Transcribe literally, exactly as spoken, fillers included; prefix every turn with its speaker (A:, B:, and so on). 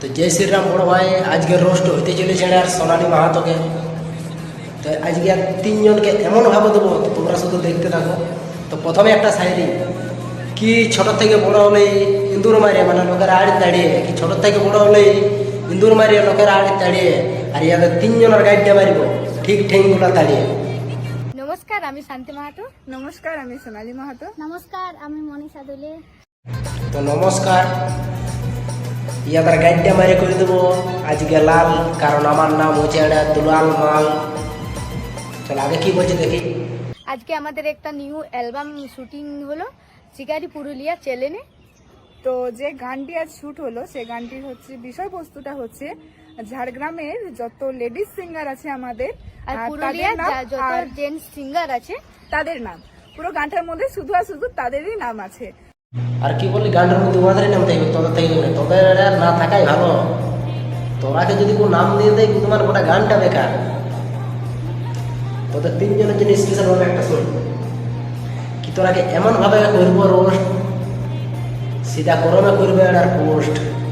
A: তো জয় শ্রীরাম বড় ভাই, আজকে রোস্ট হইতে চলেছে আর সোনালী মাহাতোকে। তো আজকে আর তিনজনকে এমনভাবে দেবো, তো তোমরা শুধু দেখতে থাকো। তো প্রথমে একটা শায়রি, কি ছোট থেকে বড় হলেই ইন্দুর মারিয়ে, মানে লোকের আড়ি দাঁড়িয়ে, কি ছোট থেকে বড় হলেই ইন্দুর মারিয়ে লোকের আড়ি দাঁড়িয়ে, আর ইয়াদের তিনজনের গাইডটা মারিব ঠিক ঠেংগুলা দাঁড়িয়ে।
B: নমস্কার, আমি শান্তি মাহাতো।
C: নমস্কার, আমি সোনালী মাহাতো।
B: নমস্কার, আমি মনীষা দোলে।
A: তো নমস্কার, ইয়াদের গাইডটা মারিয়ে করে দেবো আজকে লাল, কারণ আমার নাম হচ্ছে এটা দুলাল মাল। চল আগে কি বলছে দেখি।
B: আজকে আমাদের একটা নিউ অ্যালবাম শুটিং হলো শিকারি পুরুলিয়া চ্যানেলে।
C: তো যে গানটি আজ শুট হলো সে গানটির হচ্ছে বিষয়বস্তুটা হচ্ছে ঝাড়গ্রামের যত লেডিস সিঙ্গার আছে আমাদের
B: আর
C: আর
B: পুরুলিয়া
C: তাদের নাম
B: যত
C: আর
B: জেন্টস সিঙ্গার আছে
C: তাদের নাম, পুরো গানটার মধ্যে শুধু আর শুধু তাদেরই নাম আছে।
A: আর কি বললি, গানটার মধ্যে ওনাদেরই নাম থাকবে, তোদের থাকবে না। তোদের আর না থাকাই ভালো। তোরাকে যদি কোনো নাম দিয়ে দেয়, তোমার গোটা গানটা বেকার। তোদের তিনজনের জন্য স্পেশাল ভাবে একটা শোন, কি তোরাকে এমন ভাবে করবো রোস্ট, সিধা গরমে করবে আর পোস্ট।